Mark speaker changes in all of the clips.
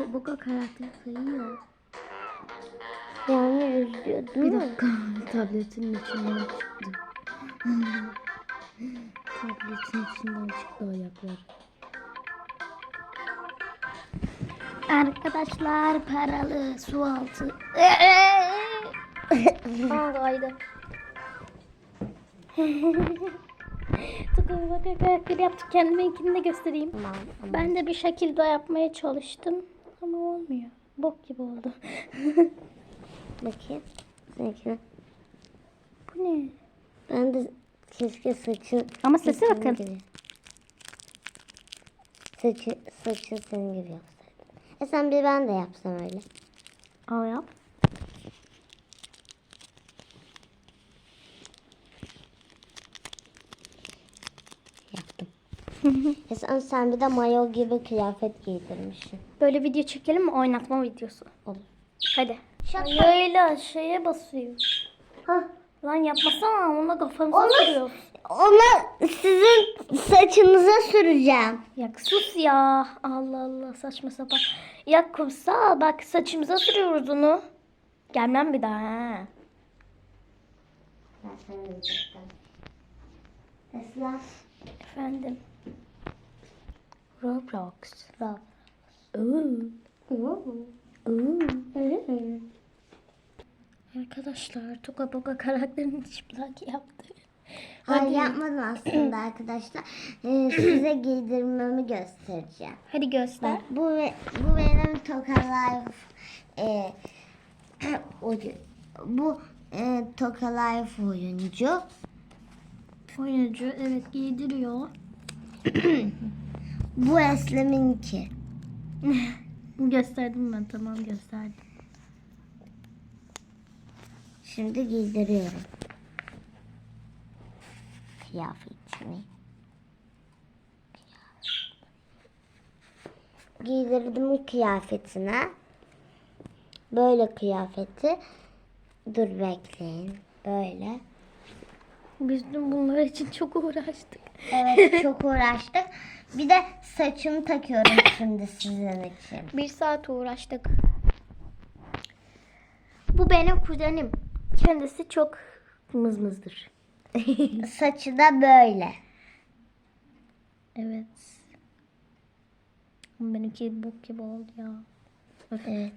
Speaker 1: Boka karakter sayıyor.
Speaker 2: Yani üzüyor değil
Speaker 1: Bir
Speaker 2: mi?
Speaker 1: dakika. Tabletin içinden çıktı. Tabletin içinden çıktı ayaklar. Arkadaşlar paralı su altı. Kaydı. Tıkı bak karakter yaptık. Kendiminkini de göstereyim.
Speaker 2: Tamam.
Speaker 1: Ben de bir şekilde yapmaya çalıştım. Ama olmuyor. Bok gibi oldu.
Speaker 2: Bakayım. Seninkine.
Speaker 1: Bu ne?
Speaker 2: Ben de keşke saçın...
Speaker 1: Ama sesi
Speaker 2: senin
Speaker 1: bakın.
Speaker 2: gibi. Saçın senin gibi yapsaydım. Sen bir ben de yapsam öyle.
Speaker 1: Al yap.
Speaker 2: Yaptım. Sen bir de mayo gibi kıyafet giydirmişsin.
Speaker 1: Böyle video çekelim mi? Oynatma videosu.
Speaker 2: Olur.
Speaker 1: Hadi.
Speaker 2: Şaka.
Speaker 1: Öyle şeye basıyor.
Speaker 2: Hah.
Speaker 1: Lan yapmasana. Onunla kafamıza sürüyor.
Speaker 2: Onu sizin saçınıza süreceğim.
Speaker 1: Ya sus ya. Allah Allah saçma sapan. Ya kumsal bak saçımıza sürüyoruz onu. Gelmem bir daha ha.
Speaker 2: Esra.
Speaker 1: Efendim. Roblox. Arkadaşlar Toka Boka karakterini çıplak yaptı.
Speaker 2: Hayır yapmadım aslında arkadaşlar. Size giydirmemi göstereceğim.
Speaker 1: Hadi göster.
Speaker 2: Bak bu benim Toka Life bu Toka Life oyuncu.
Speaker 1: Oyuncu evet giydiriyor.
Speaker 2: Bu Eslem'inki.
Speaker 1: Gösterdim ben tamam gösterdim.
Speaker 2: Şimdi giydiriyorum. Kıyafetini. Giydirdim kıyafetine. Böyle kıyafeti. Dur bekleyin. Böyle.
Speaker 1: Biz dün bunlar için çok uğraştık.
Speaker 2: Evet çok uğraştık. Bir de saçımı takıyorum şimdi sizin için.
Speaker 1: 1 saat uğraştık. Bu benim kuzenim. Kendisi çok mızmızdır.
Speaker 2: Saçı da böyle.
Speaker 1: Evet. Benimki bok gibi oldu ya.
Speaker 2: Evet.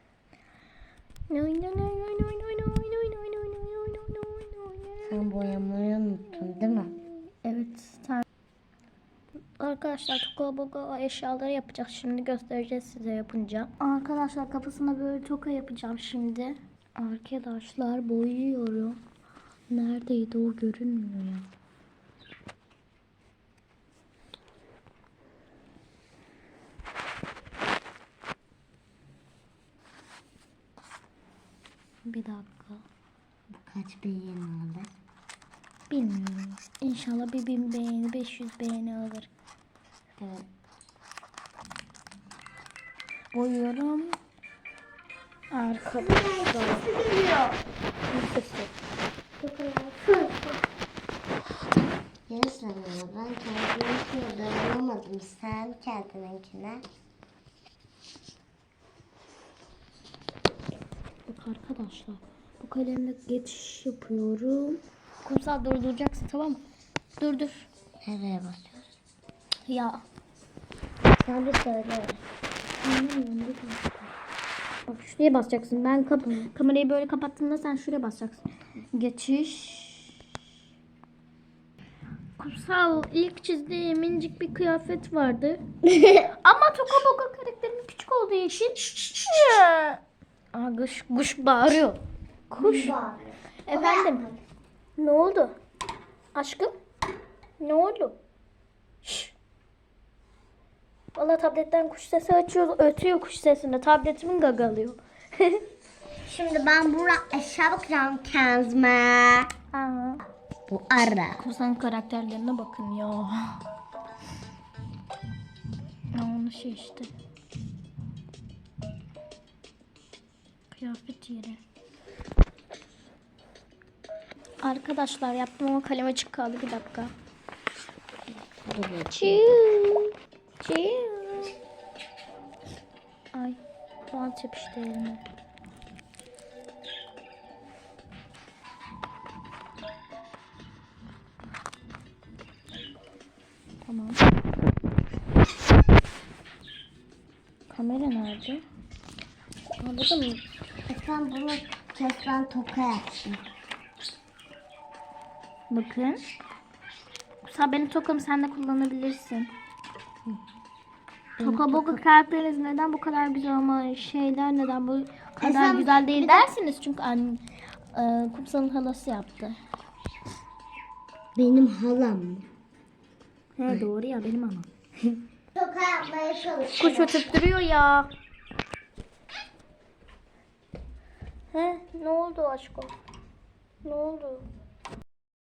Speaker 2: Sen boyamayı unuttun değil mi?
Speaker 1: Evet. Arkadaşlar toka boka eşyaları yapacağız. Şimdi göstereceğiz size yapınca. Arkadaşlar kafasına böyle toka yapacağım şimdi. Arkadaşlar boyuyorum. Neredeydi o görünmüyor ya. Bir dakika.
Speaker 2: Kaç beğeni alır?
Speaker 1: Bilmiyorum. İnşallah bir 1000 beğeni, 500 beğeni alır.
Speaker 2: Evet.
Speaker 1: Boyuyorum. Arkadaşlar.
Speaker 2: Yarısını ben kendiminkine dayanamadım. Sen kendininkine.
Speaker 1: Bak arkadaşlar. Bu kalemle geçiş yapıyorum. Kumsal durduracaksın tamam mı? Dur.
Speaker 2: Nereye basıyoruz?
Speaker 1: Ya.
Speaker 2: Sen bir söyle.
Speaker 1: Bak şuraya basacaksın. Ben kamerayı böyle kapattığımda sen şuraya basacaksın. Geçiş. Kumsal ilk çizdiğim minicik bir kıyafet vardı. Ama Toka Boka karakterim küçük olduğu için. Aa, kuş bağırıyor. Kuş. Efendim. Ne oldu? Aşkım. Ne oldu? Şşş. Valla tabletten kuş sesi açıyor. Ötüyor kuş sesinde. Tabletimin gagalıyor.
Speaker 2: Şimdi ben buraya eşya bakacağım kendime.
Speaker 1: Aa.
Speaker 2: Bu ara.
Speaker 1: Kumsal'ın karakterlerine bakın ya. Ya onu şey işte. Kıyafet yeri. Arkadaşlar yaptım ama kalem açık kaldı bir dakika. Çiu. Ay. bant yapıştı elime. Tamam. Kamera nerede? Burada mı?
Speaker 2: Sen bunu kesmen toka yaptın.
Speaker 1: Bakın. Kusa benim tokamı sen de kullanabilirsin. Toka boka karakteriniz neden bu kadar güzel ama şeyler neden bu kadar
Speaker 2: sen
Speaker 1: güzel değil
Speaker 2: bir
Speaker 1: dersiniz. Çünkü Kumsal'ın halası yaptı.
Speaker 2: Benim halam mı?
Speaker 1: He doğru ya benim anam.
Speaker 2: Toka yapmaya çalışıyorum.
Speaker 1: Kuş ötüp duruyor ya. He ne oldu aşkım? Ne oldu?